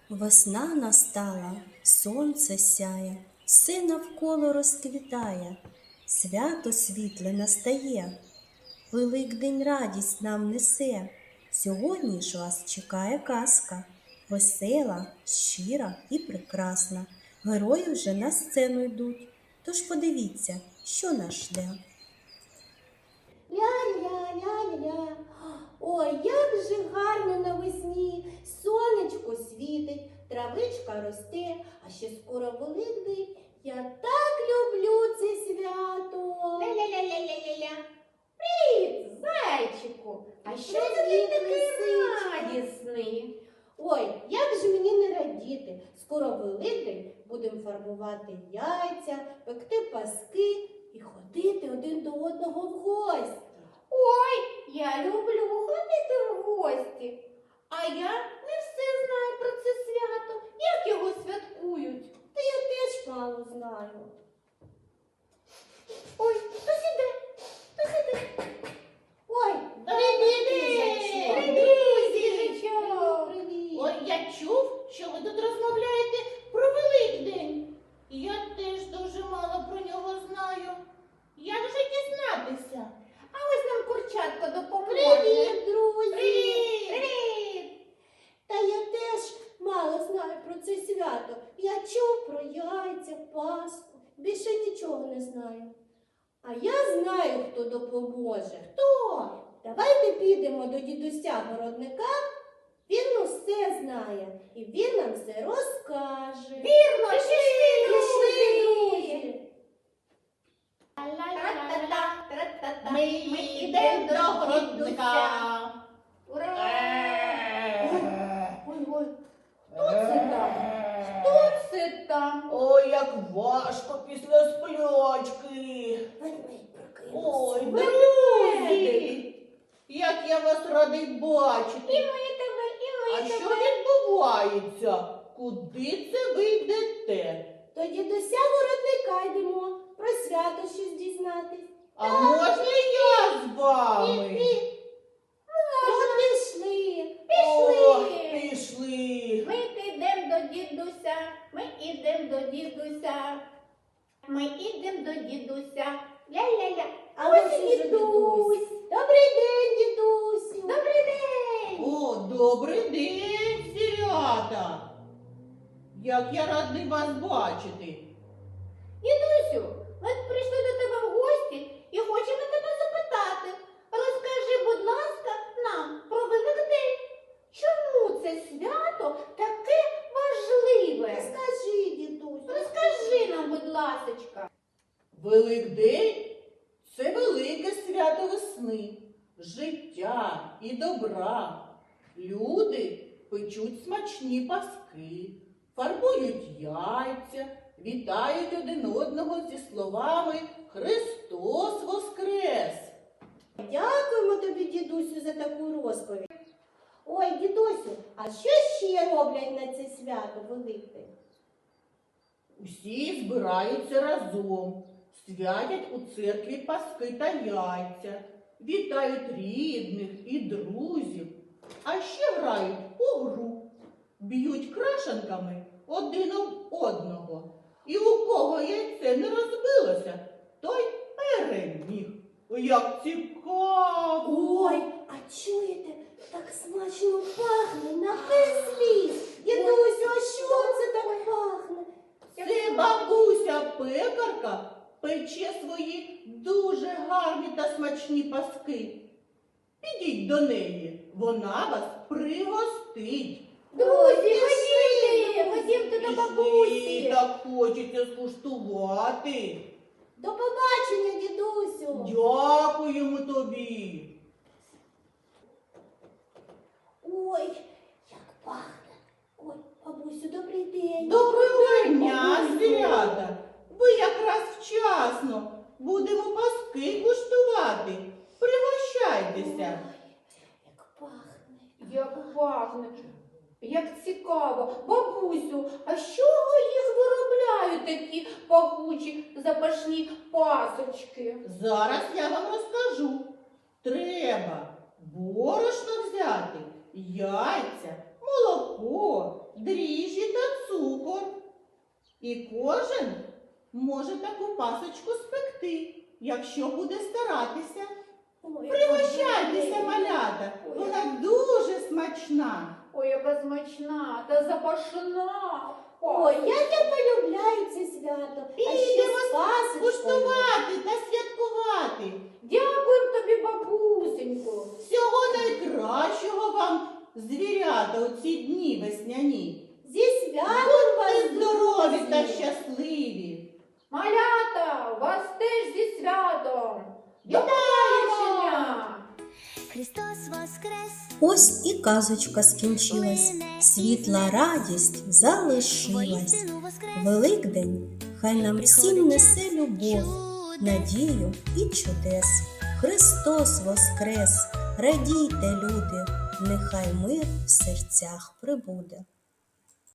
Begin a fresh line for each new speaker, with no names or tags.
Весна настала, сонце сяє, все навколо розквітає, свято світле настає, Великдень радість нам несе. Сьогодні ж вас чекає казка, весела, щира і прекрасна. Герої вже на сцену йдуть, тож подивіться, що нас жде.
Ля-ля-ля-ля-ля. Ой, як же гарно навесні. Сонечко світить, травичка росте, а ще скоро Великдень. Я так люблю це свято.
Ля-ля-ля-ля-ля-ля-ля. Привіт, зайчику! А що це ти такий радісний?
Ой, як же мені не радіти. Скоро Великдень, будемо фарбувати яйця, пекти паски і ходити один до одного в гості.
Ой, я люблю ходити в гості. А я не все знаю про це свято. Як його святкують?
Та я теж мало знаю.
Ой, хто сіде? Хто сіде?
Ой,
Привіт,
їжачок.
Привіт, їжачок.
Привіт.
Ой, я чув, що ви тут розмовляєте про Великдень. Я теж дуже мало про нього знаю. Як же дізнатися? А ось нам курчатка допоможе.
Привіт, друзі.
Привіт! Привіт!
Та я теж мало знаю про це свято. Я чув про яйця, Пасху. Більше нічого не знаю. А я знаю, хто допоможе.
Хто?
Давайте підемо до дідуся городника. Він усе знає і він нам все розкаже.
Вірно, пішли,
Пішли, друзі.
Тра-та-та, ми йдемо до городника. Ура!
Ой, хто це там?
Хто це там?
Ой, як важко після сплячки.
Ведмедь прокинувся.
Ой,
Ведмедик.
друзі, як я вас радий бачити.
І ми тебе, і
А
ми
що
тебе.
відбувається? Куди це ви йдете?
До дідуся городника йдемо. Про свято щось дізнатись.
А можна я з вами?
Ну, пішли.
Ох, пішли.
Ми підемо до дідуся, ми ідемо до дідуся. Ми ідемо до дідуся. Ля-ля-ля.
А
Ось
ось
і
і дідусь. Добрий день, дідусю.
Добрий день!
О, добрий день, звірята. Як я радий вас бачити.
Дідусю, ми прийшли до тебе в гості і хочемо тебе запитати. Розкажи, будь ласка, нам про Великдень. Чому це свято таке важливе?
Скажи, дідусю.
Розкажи нам, будь ласочка.
Великдень – це велике свято весни, життя і добра. Люди печуть смачні паски, фарбують яйця, вітають один одного зі словами «Христос Воскрес!».
Дякуємо тобі, дідусю, за таку розповідь. Ой, дідусю, а що ще роблять на це свято Великдень?
Усі збираються разом, святять у церкві паски та яйця, вітають рідних і друзів, а ще грають у гру, б'ють крашенками один об одного. І у кого яйце не розбилося, той переміг. Як цікаво!
Ой, а чуєте, так смачно пахне на весь ліс. Дідусю, а що це так пахне?
Це бабуся пекарка пече свої дуже гарні та смачні паски. Підіть до неї, вона вас пригостить.
Друзі, ходімте до
Пішли,
бабусі.
так хочеться скуштувати.
До побачення, дідусю.
Дякуємо тобі.
Ой, як пахне. Ой, бабусю, добрий день.
Доброго дня,
Бабусю.
звірята. Ви якраз вчасно. Будемо паски куштувати. Пригощайтеся.
Ой, як пахне.
Як пахне, як цікаво. Бабусю, а з чого їх виробляють такі пахучі запашні пасочки?
Зараз я вам розкажу. Треба борошно взяти, яйця, молоко, дріжджі та цукор. І кожен може таку пасочку спекти, якщо буде старатися.
Ой,
Пригощайтеся, малята, вона дуже смачна.
Ой, яка смачна та запашна.
Ой, як я полюбляю це свято. А ще
Підемо
з пасочкою.
куштувати та святкувати.
Дякуємо тобі, бабусенько.
Всього найкращого вам, звірята, у ці дні весняні.
Зі святом вас,
Будьте здорові та
друзі!
Малята, вас теж зі святом. До побачення!
Христос воскрес!
Ось і казочка скінчилась, світла радість залишилась.
Воістину воскрес!
Великдень хай нам всім несе любов, надію і чудес. Христос воскрес! Радійте, люди, нехай мир в серцях прибуде.